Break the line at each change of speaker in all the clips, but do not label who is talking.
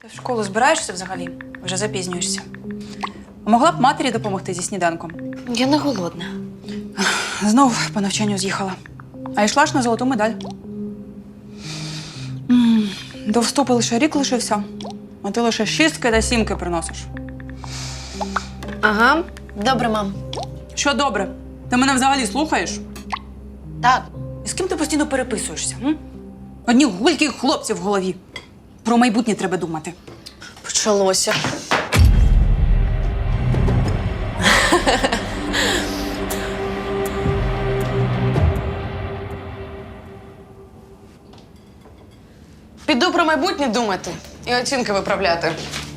Ти в школу збираєшся взагалі? Вже запізнюєшся. Могла б матері допомогти зі сніданком.
Я не голодна.
Знов по навчанню з'їхала. А йшла ж на золоту медаль. До вступу лише рік лишився, а ти лише 6 та 7 приносиш.
Ага, добре, мам.
Що добре? Ти мене взагалі слухаєш?
Так.
І з ким ти постійно переписуєшся? М? Одні гульки хлопці в голові. Про майбутнє треба думати.
Почалося. Піду про майбутнє думати і оцінки виправляти.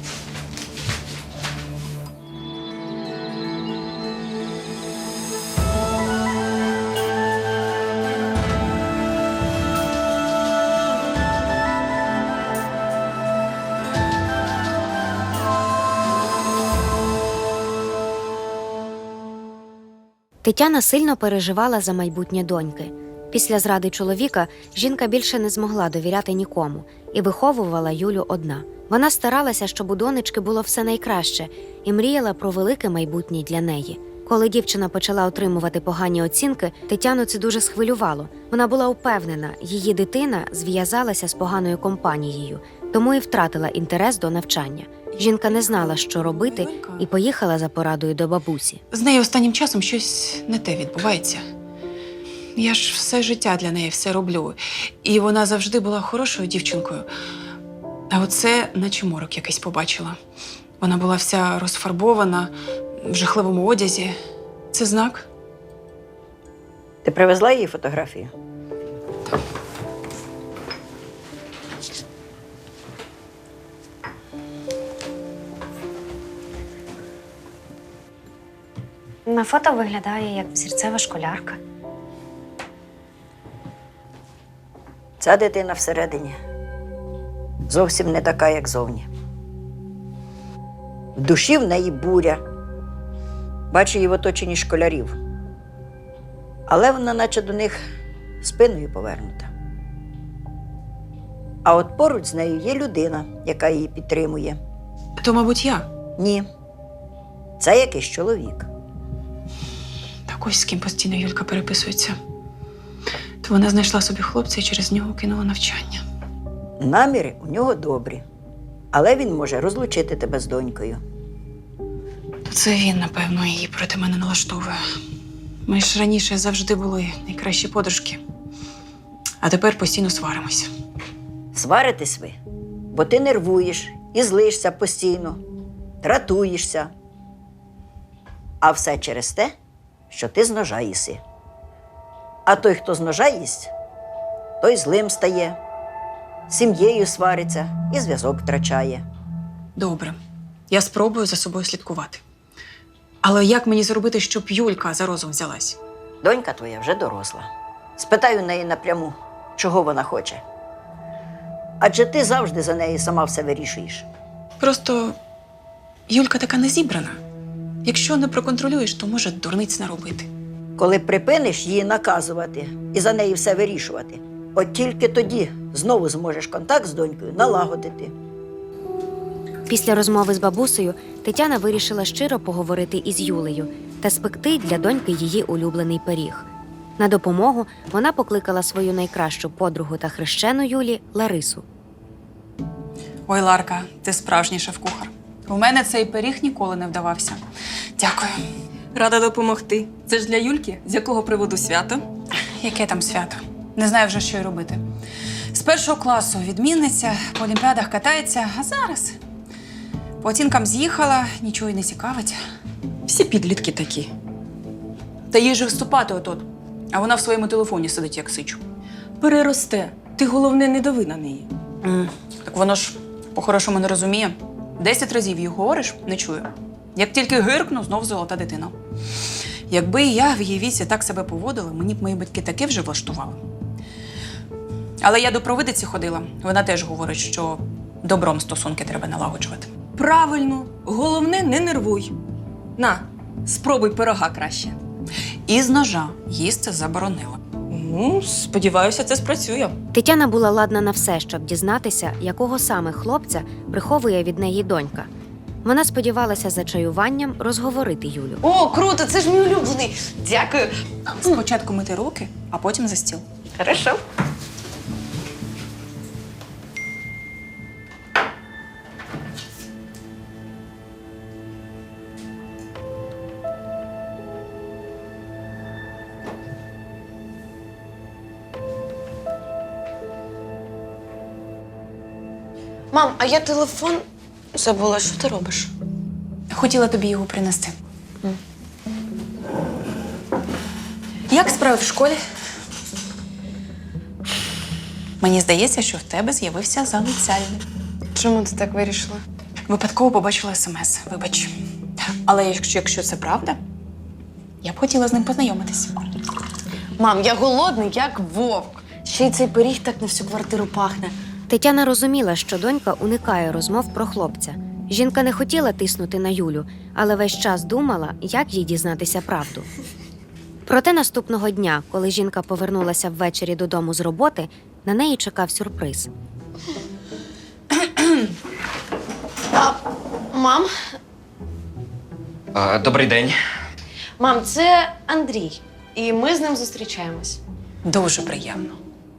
Тетяна сильно переживала за майбутнє доньки. Після зради чоловіка жінка більше не змогла довіряти нікому і виховувала Юлю одна. Вона старалася, щоб у донечки було все найкраще, і мріяла про велике майбутнє для неї. Коли дівчина почала отримувати погані оцінки, Тетяну це дуже схвилювало. Вона була упевнена, її дитина зв'язалася з поганою компанією, тому і втратила інтерес до навчання. Жінка не знала, що робити, і поїхала за порадою до бабусі.
З нею останнім часом щось не те відбувається. Я ж все життя для неї все роблю. І вона завжди була хорошою дівчинкою. А оце наче морок якийсь побачила. Вона була вся розфарбована, в жахливому одязі. Це знак?
Ти привезла її фотографію?
На фото виглядає як взірцева школярка.
Ця дитина всередині зовсім не така, як зовні. В душі в неї буря. Бачу її в оточенні школярів. Але вона наче до них спиною повернута. А от поруч з нею є людина, яка її підтримує.
То, мабуть, я.
Ні. Це якийсь чоловік.
Так ось з ким постійно Юлька переписується. То вона знайшла собі хлопця і через нього кинула навчання.
Наміри у нього добрі. Але він може розлучити тебе з донькою.
То це він, напевно, її проти мене налаштовує. Ми ж раніше завжди були найкращі подружки. А тепер постійно сваримося.
Сваритесь ви, бо ти нервуєш і злишся постійно, дратуєшся. А все через те, що ти з ножа їси. А той, хто з ножа їсть, той злим стає, з сім'єю свариться і зв'язок втрачає.
Добре, я спробую за собою слідкувати. Але як мені зробити, щоб Юлька за розум взялась?
Донька твоя вже доросла. Спитай у неї напряму, чого вона хоче. Адже ти завжди за неї сама все вирішуєш.
Просто Юлька така незібрана. Якщо не проконтролюєш, то може дурниць наробити.
Коли припиниш її наказувати і за неї все вирішувати, от тільки тоді знову зможеш контакт з донькою налагодити.
Після розмови з бабусею Тетяна вирішила щиро поговорити із Юлею та спекти для доньки її улюблений пиріг. На допомогу вона покликала свою найкращу подругу та хрещену Юлі Ларису.
Ой, Ларка, ти справжній шеф-кухар. У мене цей пиріг ніколи не вдавався. Дякую.
Рада допомогти. Це ж для Юльки, з якого приводу свято?
Яке там свято? Не знаю вже, що й робити. З 1 класу відмінниця, по олімпіадах катається, а зараз по оцінкам з'їхала, нічого й не цікавить.
Всі підлітки такі.
Та їй же вступати отут, а вона в своєму телефоні сидить, як сичу.
Переросте. Ти, головне, не дави на неї.
Так воно ж по-хорошому не розуміє. 10 разів їй говориш, не чую. Як тільки гиркну, знов золота дитина. Якби я в її віці так себе поводила, мені б мої батьки таке вже влаштували. Але я до провидиці ходила. Вона теж говорить, що добром стосунки треба налагоджувати.
Правильно. Головне, не нервуй. На, спробуй пирога краще.
І з ножа їсти заборонила.
Ну, сподіваюся, це спрацює.
Тетяна була ладна на все, щоб дізнатися, якого саме хлопця приховує від неї донька. Вона сподівалася за чаюванням розговорити Юлю.
О, круто, це ж мій улюблений. Дякую.
Спочатку мити руки, а потім за стіл.
Хорошо. Мам, а я телефон забула. Що ти робиш?
Хотіла тобі його принести. Як справи в школі? Мені здається, що в тебе з'явився залицяльник.
Чому ти так вирішила?
Випадково побачила смс. Вибач. Але якщо це правда, я б хотіла з ним познайомитись.
Мам, я голодний, як вовк. Ще й цей пиріг так на всю квартиру пахне.
Тетяна розуміла, що донька уникає розмов про хлопця. Жінка не хотіла тиснути на Юлю, але весь час думала, як їй дізнатися правду. Проте наступного дня, коли жінка повернулася ввечері додому з роботи, на неї чекав сюрприз.
Мам,
Добрий день.
мам, це Андрій. І ми з ним зустрічаємось.
Дуже приємно.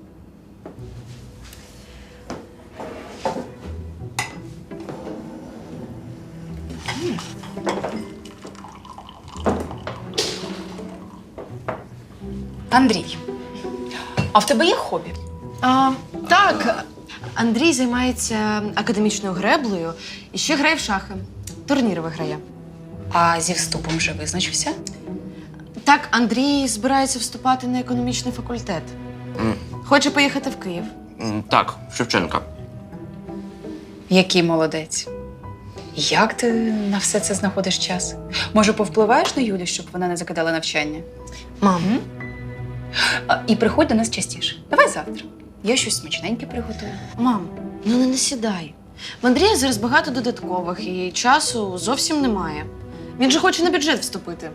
Андрій, а в тебе є хобі?
Так, Андрій займається академічною греблею і ще грає в шахи. Турніри виграє.
А зі вступом вже визначився?
Так, Андрій збирається вступати на економічний факультет. Хоче поїхати в Київ.
Так, Шевченка.
Який молодець. Як ти на все це знаходиш час? Може, повпливаєш на Юлю, щоб вона не закидала навчання?
Мам,
І приходь до нас частіше. Давай завтра. Я щось смачненьке приготую.
мам, ну не насідай. В Андрія зараз багато додаткових і часу зовсім немає. Він же хоче на бюджет вступити.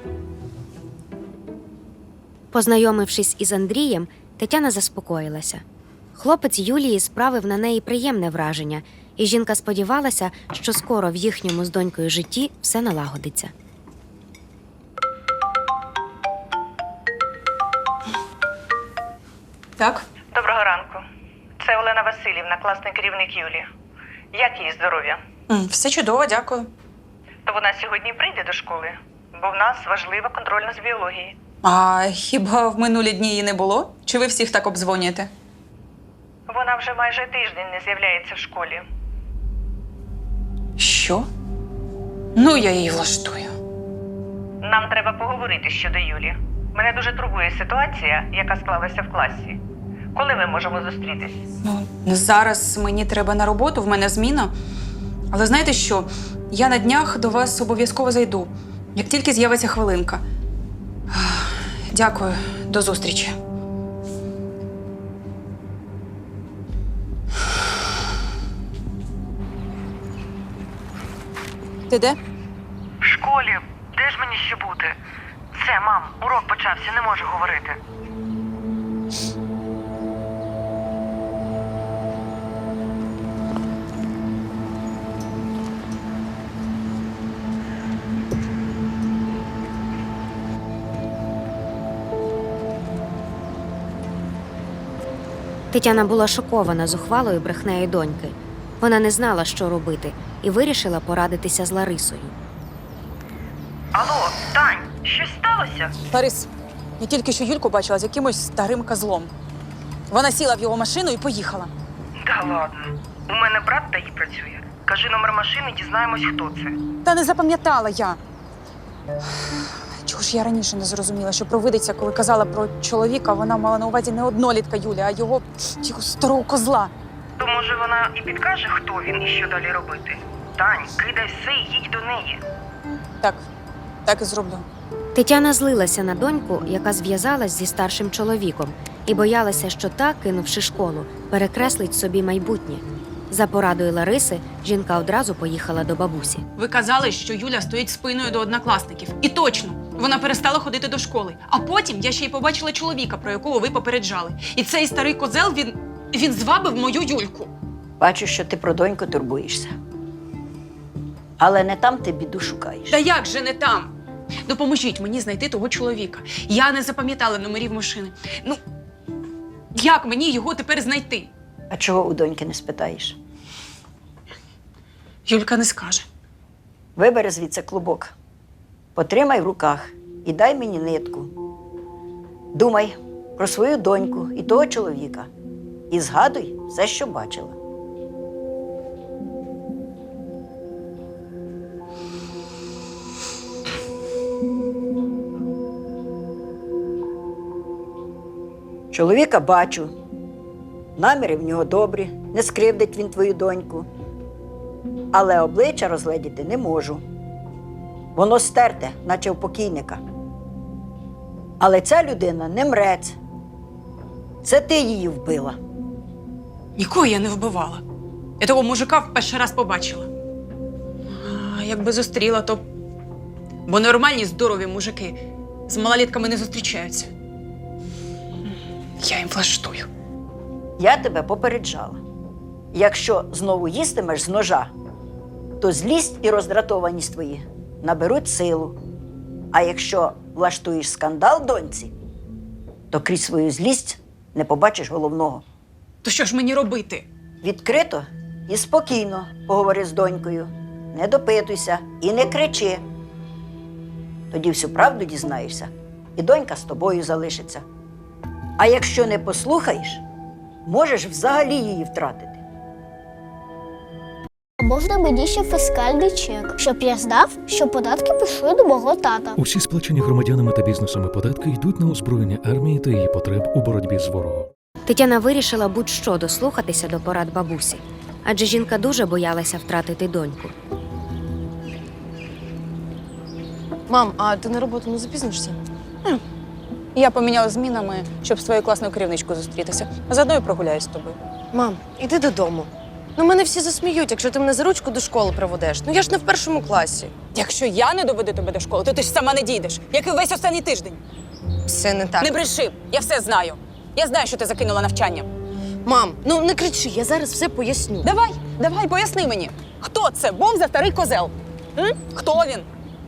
Познайомившись із Андрієм, Тетяна заспокоїлася. Хлопець Юлії справив на неї приємне враження, і жінка сподівалася, що скоро в їхньому з донькою житті все налагодиться.
Так?
Доброго ранку. Це Олена Васильівна, класний керівник Юлі. Як її здоров'я?
Все чудово, дякую.
То вона сьогодні прийде до школи, бо в нас важлива контрольна з біології.
А хіба в минулі дні її не було? Чи ви всіх так обдзвонюєте?
Вона вже майже тиждень не з'являється в школі.
Що? Ну, я її влаштую.
Нам треба поговорити щодо Юлі. Мене дуже турбує ситуація, яка склалася в класі. Коли ми можемо зустрітись?
Ну, зараз мені треба на роботу, в мене зміна. Але знаєте що? Я на днях до вас обов'язково зайду, як тільки з'явиться хвилинка. Дякую, до зустрічі. Ти де?
В школі. Де ж мені ще бути? Все, мам, урок почався, не можу говорити.
Тетяна була шокована зухвалою брехнею доньки. Вона не знала, що робити, і вирішила порадитися з Ларисою.
Алло, Тань, щось сталося?
Ларис, я тільки що Юльку бачила з якимось старим козлом. Вона сіла в його машину і поїхала.
Да ладно. У мене брат ДАІ працює. Кажи номер машини, дізнаємось, хто це.
Та не запам'ятала я. Чого ж я раніше не зрозуміла, що провидиця, коли казала про чоловіка, вона мала на увазі не однолітка Юлі, а його старого козла.
То може вона і підкаже, хто він і що далі робити? Тань, кидай все і їдь до неї.
Так і зроблю.
Тетяна злилася на доньку, яка зв'язалась зі старшим чоловіком, і боялася, що та, кинувши школу, перекреслить собі майбутнє. За порадою Лариси, жінка одразу поїхала до бабусі.
Ви казали, що Юля стоїть спиною до однокласників. І точно. Вона перестала ходити до школи. А потім я ще й побачила чоловіка, про якого ви попереджали. І цей старий козел, він звабив мою Юльку.
Бачу, що ти про доньку турбуєшся. Але не там ти біду шукаєш.
Та як же не там? Допоможіть мені знайти того чоловіка. Я не запам'ятала номерів машини. Ну, як мені його тепер знайти?
А чого у доньки не спитаєш?
Юлька не скаже.
Вибери звідси клубок, потримай в руках і дай мені нитку. Думай про свою доньку і того чоловіка. І згадуй все, що бачила. Чоловіка бачу. Наміри в нього добрі, не скривдить він твою доньку. Але обличчя розгледіти не можу. Воно стерте, наче у покійника. Але ця людина не мрець. Це ти її вбила.
Нікого я не вбивала. Я того мужика в перший раз побачила. А якби зустріла, то... Бо нормальні, здорові мужики з малолітками не зустрічаються. Я їм влаштую.
Я тебе попереджала. Якщо знову їстимеш з ножа, то злість і роздратованість твої наберуть силу. А якщо влаштуєш скандал доньці, то крізь свою злість не побачиш головного.
То що ж мені робити?
Відкрито і спокійно поговори з донькою. Не допитуйся і не кричи. Тоді всю правду дізнаєшся, і донька з тобою залишиться. А якщо не послухаєш, можеш взагалі її втратити.
А можна мені ще фіскальний чек, щоб я знав, що податки пішли до мого тата?
Усі сплачені громадянами та бізнесами податки йдуть на озброєння армії та її потреб у боротьбі з ворогом.
Тетяна вирішила будь-що дослухатися до порад бабусі, адже жінка дуже боялася втратити доньку.
Мам, а ти на роботу не запізнишся?
Я поміняла змінами, щоб з твоєю класною керівничкою зустрітися. А заодно і прогуляюсь з тобою.
Мам, іди додому. Ну, мене всі засміють, якщо ти мене за ручку до школи проведеш. Ну, я ж не в першому класі.
Якщо я не доведу тебе до школи, то ти ж сама не дійдеш, як і весь останній тиждень.
Все не так.
Не бреши, я все знаю. Я знаю, що ти закинула навчання.
Мам, ну не кричи, я зараз все поясню.
Давай, поясни мені. Хто це був за старий козел? Хто він?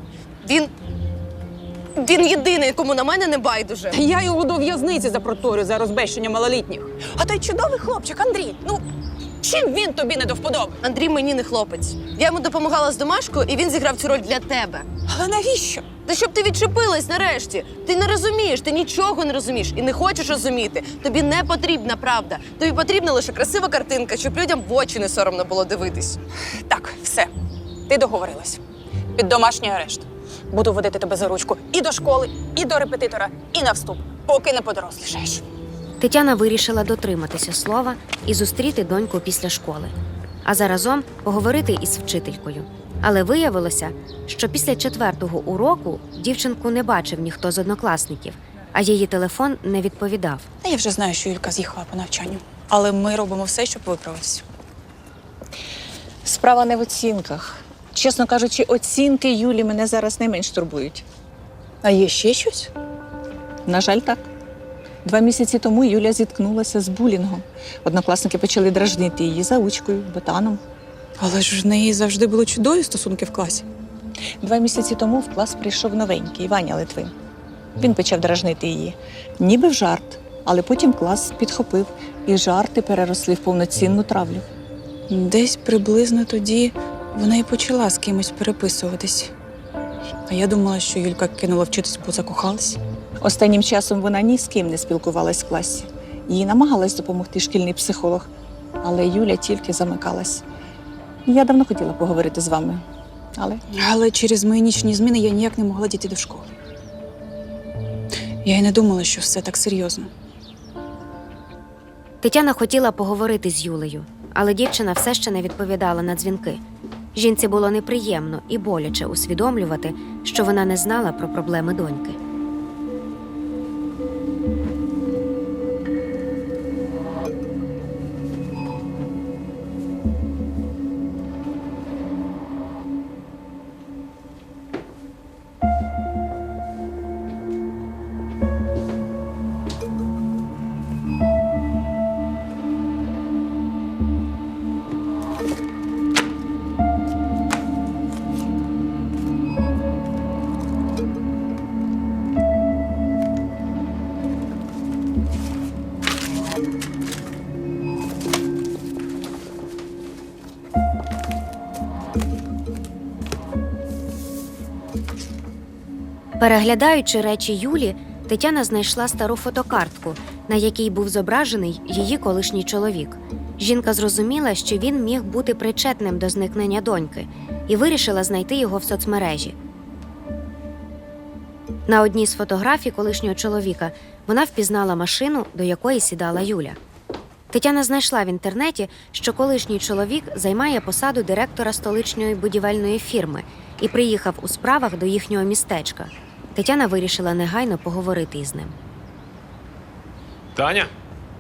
Він єдиний, кому на мене не байдуже.
Я його до в'язниці запроторю за розбещення малолітніх. А той чудовий хлопчик Андрій, ну, чим він тобі не до вподоби?
Андрій мені не хлопець. Я йому допомагала з домашкою, і він зіграв цю роль для тебе.
Але навіщо?
Та щоб ти відчепилась нарешті. Ти не розумієш, ти нічого не розумієш і не хочеш розуміти. Тобі не потрібна правда. Тобі потрібна лише красива картинка, щоб людям в очі не соромно було дивитись.
Так, все, ти договорилась. Під домашній арешт. Буду водити тебе за ручку і до школи, і до репетитора, і на вступ, поки не подорослішаєш.
Тетяна вирішила дотриматися слова і зустріти доньку після школи, а заразом поговорити із вчителькою. Але виявилося, що після 4-го уроку дівчинку не бачив ніхто з однокласників, а її телефон не відповідав.
Та я вже знаю, що Юлька з'їхала по навчанню. Але ми робимо все, щоб виправитися.
Справа не в оцінках. Чесно кажучи, оцінки Юлі мене зараз найменш турбують.
А є ще щось?
На жаль, так. 2 місяці тому Юля зіткнулася з булінгом. Однокласники почали дражнити її заучкою, ботаном.
Але ж в неї завжди були чудові стосунки в класі.
2 місяці тому в клас прийшов новенький Ваня Литвин. Він почав дражнити її. Ніби в жарт, але потім клас підхопив, і жарти переросли в повноцінну травлю.
Десь приблизно тоді вона і почала з кимось переписуватись. А я думала, що Юлька кинула вчитись, бо закохалась.
Останнім часом вона ні з ким не спілкувалась в класі. Їй намагалась допомогти шкільний психолог, але Юля тільки замикалась. Я давно хотіла поговорити з вами,
Але через мої нічні зміни я ніяк не могла дійти до школи. Я й не думала, що все так серйозно.
Тетяна хотіла поговорити з Юлею, але дівчина все ще не відповідала на дзвінки. Жінці було неприємно і боляче усвідомлювати, що вона не знала про проблеми доньки. Переглядаючи речі Юлі, Тетяна знайшла стару фотокартку, на якій був зображений її колишній чоловік. Жінка зрозуміла, що він міг бути причетним до зникнення доньки, і вирішила знайти його в соцмережі. На одній з фотографій колишнього чоловіка вона впізнала машину, до якої сідала Юля. Тетяна знайшла в інтернеті, що колишній чоловік займає посаду директора столичної будівельної фірми і приїхав у справах до їхнього містечка. Тетяна вирішила негайно поговорити із ним.
Таня?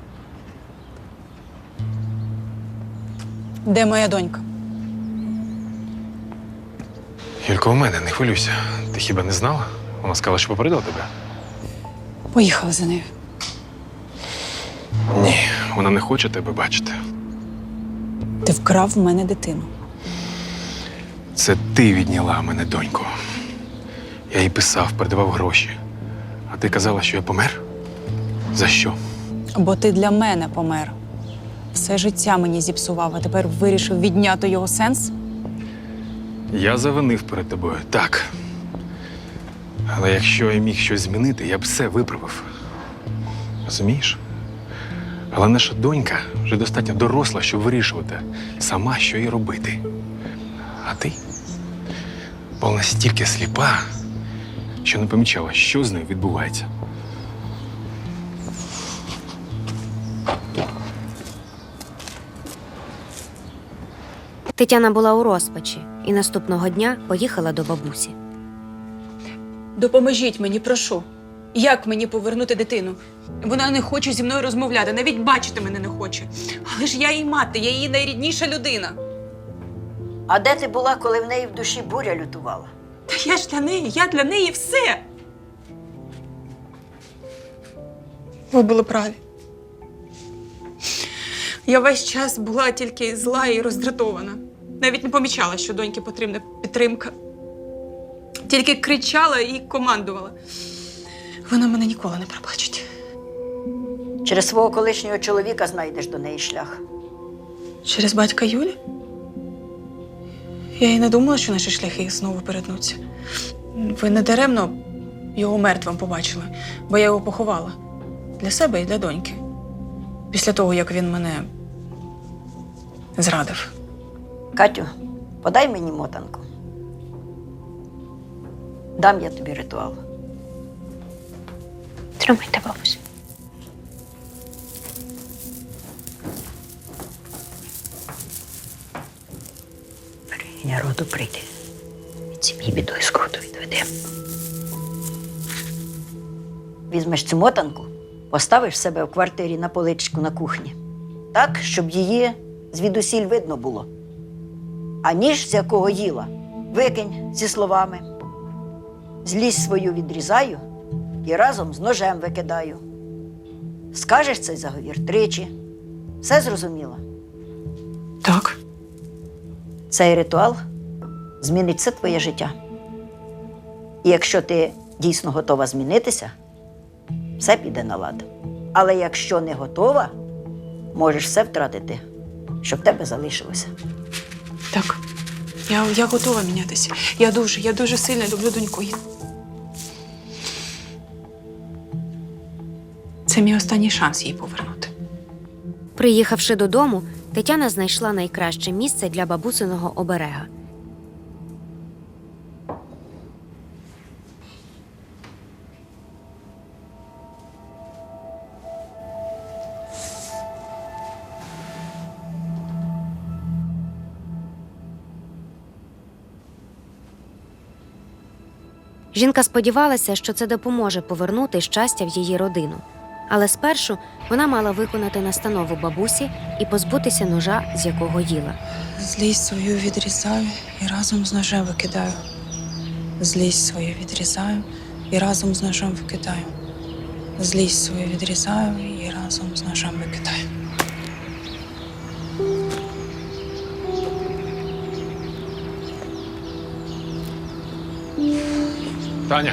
Де моя донька?
Юлько, у мене, не хвилюйся. Ти хіба не знала? Вона сказала, що попередила тебе?
Поїхала за нею.
Ні, вона не хоче тебе бачити.
Ти вкрав в мене дитину.
Це ти відняла в мене доньку. Я їй писав, передавав гроші. А ти казала, що я помер? За що?
Бо ти для мене помер. Все життя мені зіпсував, а тепер вирішив відняти його сенс?
Я завинив перед тобою, так. Але якщо я міг щось змінити, я б все виправив. Розумієш? Але наша донька вже достатньо доросла, щоб вирішувати сама, що їй робити. А ти була настільки сліпа, що не помічала, що з нею відбувається.
Тетяна була у розпачі і наступного дня поїхала до бабусі.
Допоможіть мені, прошу. Як мені повернути дитину? Вона не хоче зі мною розмовляти, навіть бачити мене не хоче. Але ж я її мати, я її найрідніша людина.
А де ти була, коли в неї в душі буря лютувала?
Та я для неї все. Ви були праві. Я весь час була тільки зла і роздратована. Навіть не помічала, що доньки потрібна підтримка. Тільки кричала і командувала. Вона мене ніколи не пробачить.
Через свого колишнього чоловіка знайдеш до неї шлях.
Через батька Юлі? Я й не думала, що наші шляхи знову перетнуться. Ви не даремно його мертвим побачили, бо я його поховала. Для себе і для доньки. Після того, як він мене зрадив.
Катю, подай мені мотанку. Дам я тобі ритуал.
Тримайте, бабусю.
Берегиня роду прийде. Від сім'ї біду і скруту відведе. Візьмеш цю мотанку, поставиш себе в квартирі на поличку на кухні. Так, щоб її звідусіль видно було. А ніж, з якого їла, викинь зі словами. Злість свою відрізаю і разом з ножем викидаю. Скажеш цей заговір 3. Все зрозуміло?
Так.
Цей ритуал змінить все твоє життя. І якщо ти дійсно готова змінитися, все піде на лад. Але якщо не готова, можеш все втратити, що в тебе залишилося.
Так. Я готова мінятися. Я дуже сильно люблю доньку. Це мій останній шанс її повернути.
Приїхавши додому, Тетяна знайшла найкраще місце для бабусиного оберега. Жінка сподівалася, що це допоможе повернути щастя в її родину. Але спершу вона мала виконати настанову бабусі і позбутися ножа, з якого їла.
Злість свою відрізаю і разом з ножем викидаю. Злість свою відрізаю і разом з ножем викидаю. Злість свою відрізаю і разом з ножем викидаю.
Таня!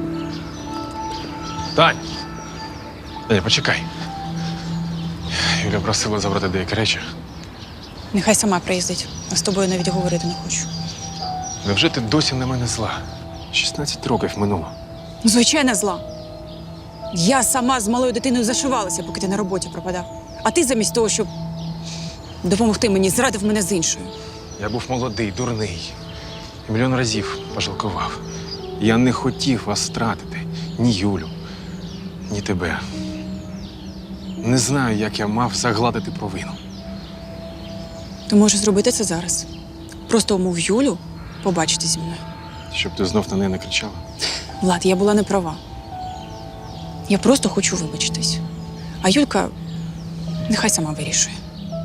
Тань! Таня, почекай. Юля просила забрати деякі речі.
Нехай сама приїздить, а з тобою навіть говорити не хочу.
Невже ти досі на мене зла? 16 років минуло.
Звичайно, зла. Я сама з малою дитиною зашивалася, поки ти на роботі пропадав. А ти замість того, щоб допомогти мені, зрадив мене з іншою.
Я був молодий, дурний. І мільйон разів пожалкував. Я не хотів вас втратити. Ні Юлю, ні тебе. Не знаю, як я мав загладити провину.
Ти можеш зробити це зараз. Просто умов Юлю побачити зі мною.
Щоб ти знов на неї не кричала.
Влад, я була не права. Я просто хочу вибачитись. А Юлька нехай сама вирішує.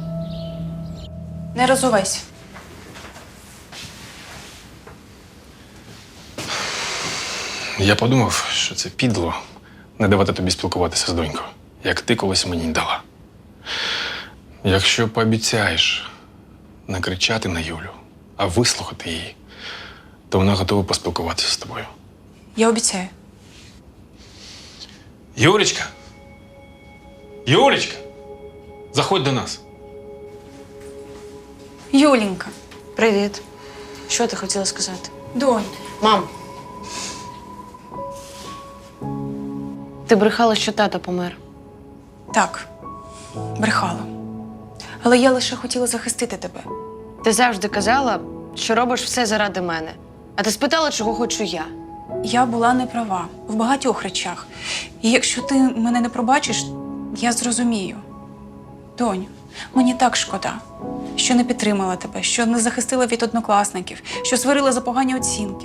Не розувайся.
Я подумав, що це підло не давати тобі спілкуватися з донькою, як ти колись мені дала. Якщо пообіцяєш не кричати на Юлю, а вислухати її, то вона готова поспілкуватися з тобою.
Я обіцяю.
Юлечка! Юлечка! Заходь до нас.
Юленька.
Привіт. Що ти хотіла сказати?
Донь.
Мам. Ти брехала, що тато помер.
Так, брехала. Але я лише хотіла захистити тебе.
Ти завжди казала, що робиш все заради мене. А ти спитала, чого хочу я.
Я була не права в багатьох речах. І якщо ти мене не пробачиш, я зрозумію. Доню, мені так шкода, що не підтримала тебе, що не захистила від однокласників, що сварила за погані оцінки.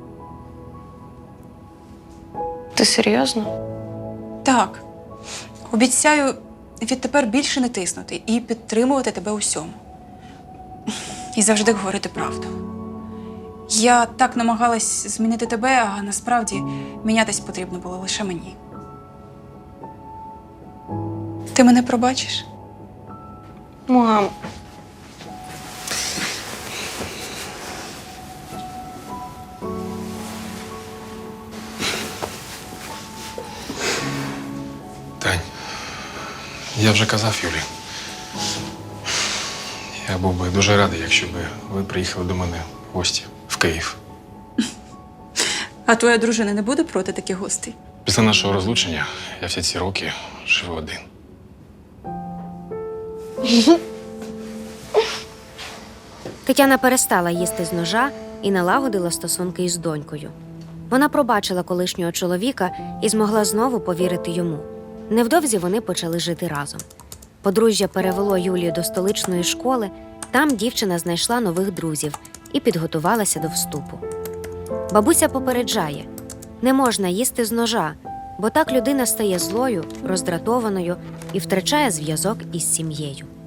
Ти серйозно?
Так, обіцяю відтепер більше не тиснути і підтримувати тебе усьому. І завжди говорити правду. Я так намагалась змінити тебе, а насправді мінятись потрібно було лише мені. Ти мене пробачиш?
Мам.
Тань, я вже казав Юлі. Я був би дуже радий, якщо б ви приїхали до мене в гості в Київ.
А твоя дружина не буде проти таких гостей?
Після нашого розлучення я всі ці роки живу один.
Тетяна перестала їсти з ножа і налагодила стосунки із донькою. Вона пробачила колишнього чоловіка і змогла знову повірити йому. Невдовзі вони почали жити разом. Подружжя перевело Юлію до столичної школи, там дівчина знайшла нових друзів і підготувалася до вступу. Бабуся попереджає – не можна їсти з ножа, бо так людина стає злою, роздратованою і втрачає зв'язок із сім'єю.